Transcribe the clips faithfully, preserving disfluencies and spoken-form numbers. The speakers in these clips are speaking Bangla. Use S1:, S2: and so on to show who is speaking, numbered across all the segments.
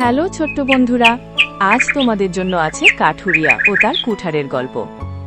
S1: হ্যালো ছোট্ট বন্ধুরা, আজ তোমাদের জন্য আছে কাঠুরিয়া ও তার কুঠারের গল্প।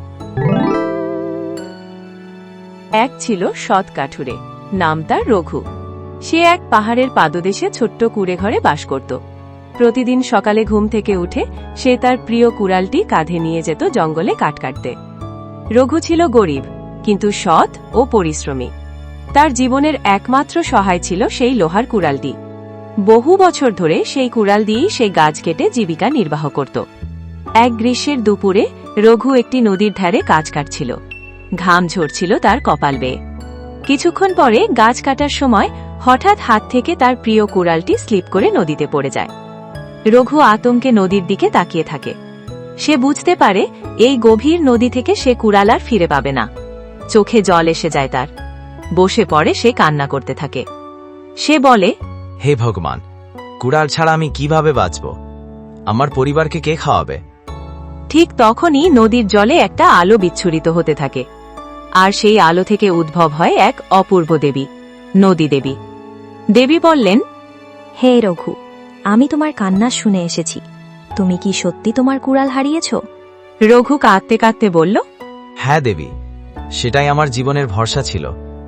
S1: এক ছিল সৎ কাঠুরে, নাম তার রঘু। সে এক পাহাড়ের পাদদেশে ছোট্ট কুঁড়ে ঘরে বাস করত। প্রতিদিন সকালে ঘুম থেকে উঠে সে তার প্রিয় কুড়ালটি কাঁধে নিয়ে যেত জঙ্গলে কাঠ কাটতে। রঘু ছিল গরিব, কিন্তু সৎ ও পরিশ্রমী। তার জীবনের একমাত্র সহায় ছিল সেই লোহার কুড়ালটি। বহু বছর ধরে সেই কুড়াল দিয়েই সে গাছ কেটে জীবিকা নির্বাহ করত। এক গ্রীষ্মের দুপুরে রঘু একটি নদীর ধারে গাছ কাটছিল। ঘাম ঝরছিল তার কপাল বেয়ে। কিছুক্ষণ পরে গাছ কাটার সময় হঠাৎ হাত থেকে তার প্রিয় কুড়ালটি স্লিপ করে নদীতে পড়ে যায়। রঘু আতঙ্কে নদীর দিকে তাকিয়ে থাকে। সে বুঝতে পারে এই গভীর নদী থেকে সে কুড়াল আর ফিরে পাবে না। চোখে জল এসে যায় তার। বসে পড়ে সে কান্না করতে থাকে। সে বলে,
S2: হে ভগবান, কুড়াল ছাড়া আমি কিভাবে বাঁচব? আমার পরিবারকে কে খাওয়াবে?
S1: ঠিক তখনই নদীর জলে একটা আলো বিচ্ছুরিত হতে থাকে, আর সেই আলো থেকে উদ্ভব হয় এক অপূর্ব দেবী, নদী দেবী। দেবী বললেন,
S3: হে রঘু, আমি তোমার কান্না শুনে এসেছি। তুমি কি সত্যি তোমার কুড়াল হারিয়েছ?
S1: রঘু কাঁদতে কাঁদতে বলল,
S2: হ্যাঁ দেবী, সেটাই আমার জীবনের ভরসা ছিল।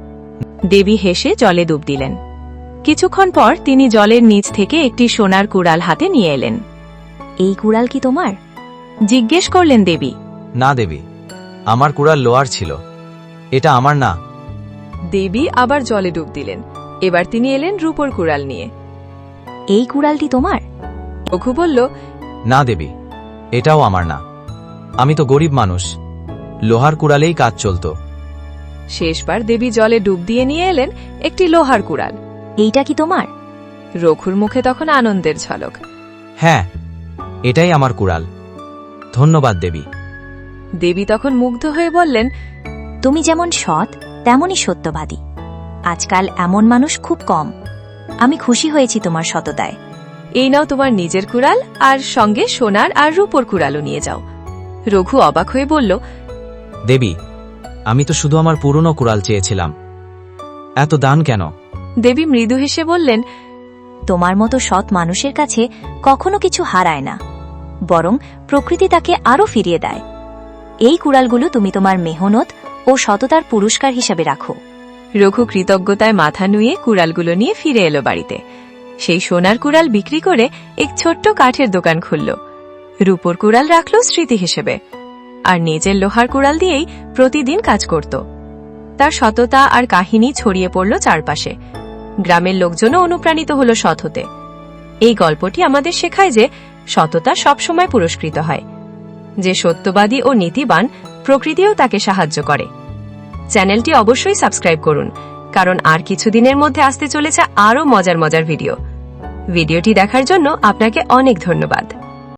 S1: দেবী হেসে জলে ডুব দিলেন। কিছুক্ষণ পর তিনি জলের নিচ থেকে একটি সোনার কুড়াল হাতে নিয়ে এলেন।
S3: এই কুড়াল কি তোমার?
S1: জিজ্ঞেস করলেন দেবী।
S2: না দেবী, আমার কুড়াল লোহার ছিল, এটা আমার না।
S1: দেবী আবার জলে ডুব দিলেন। এবার তিনি এলেন রূপোর কুড়াল নিয়ে।
S3: এই কুড়ালটি তোমার?
S1: রঘু বলল,
S2: না দেবী, এটাও আমার না। আমি তো গরিব মানুষ, লোহার কুড়ালেই কাজ চলত।
S1: শেষবার দেবী জলে ডুব দিয়ে নিয়ে এলেন একটি লোহার কুড়াল।
S3: এইটা কি তোমার?
S1: রঘুর মুখে তখন আনন্দের ঝলক।
S2: হ্যাঁ, এটাই আমার কুড়াল। ধন্যবাদ দেবী।
S1: দেবী তখন মুগ্ধ হয়ে বললেন,
S3: তুমি যেমন সৎ তেমনই সত্যবাদী। আজকাল এমন মানুষ খুব কম। আমি খুশি হয়েছি তোমার সততায়।
S1: এই নাও তোমার নিজের কুড়াল, আর সঙ্গে সোনার আর রূপোর কুড়ালও নিয়ে যাও। রঘু অবাক হয়ে বলল,
S2: দেবী, আমি তো শুধু আমার পুরনো কুড়াল চেয়েছিলাম, এত দান কেন?
S1: দেবী মৃদু হেসে বললেন,
S3: তোমার মতো সৎ মানুষের কাছে কখনো কিছু হারায় না, বরং প্রকৃতি তাকে আরও ফিরিয়ে দেয়। এই কুড়ালগুলো তুমি তোমার মেহনত ও সততার পুরস্কার হিসাবে রাখো।
S1: রঘু কৃতজ্ঞতায় মাথা নুয়ে কুড়ালগুলো নিয়ে ফিরে এলো বাড়িতে। সেই সোনার কুড়াল বিক্রি করে এক ছোট্ট কাঠের দোকান খুলল। রূপোর কুড়াল রাখল স্মৃতি হিসেবে, আর নিজের লোহার কুড়াল দিয়েই প্রতিদিন কাজ করত। তার সততা আর কাহিনী ছড়িয়ে পড়ল চারপাশে। গ্রামের লোকজনও অনুপ্রাণিত হল সৎ হতে। এই গল্পটি আমাদের শেখায় যে সততা সবসময় পুরস্কৃত হয়। যে সত্যবাদী ও নীতিবান, প্রকৃতিও তাকে সাহায্য করে। চ্যানেলটি অবশ্যই সাবস্ক্রাইব করুন, কারণ আর কিছুদিনের মধ্যে আসতে চলেছে আরও মজার মজার ভিডিও। ভিডিওটি দেখার জন্য আপনাকে অনেক ধন্যবাদ।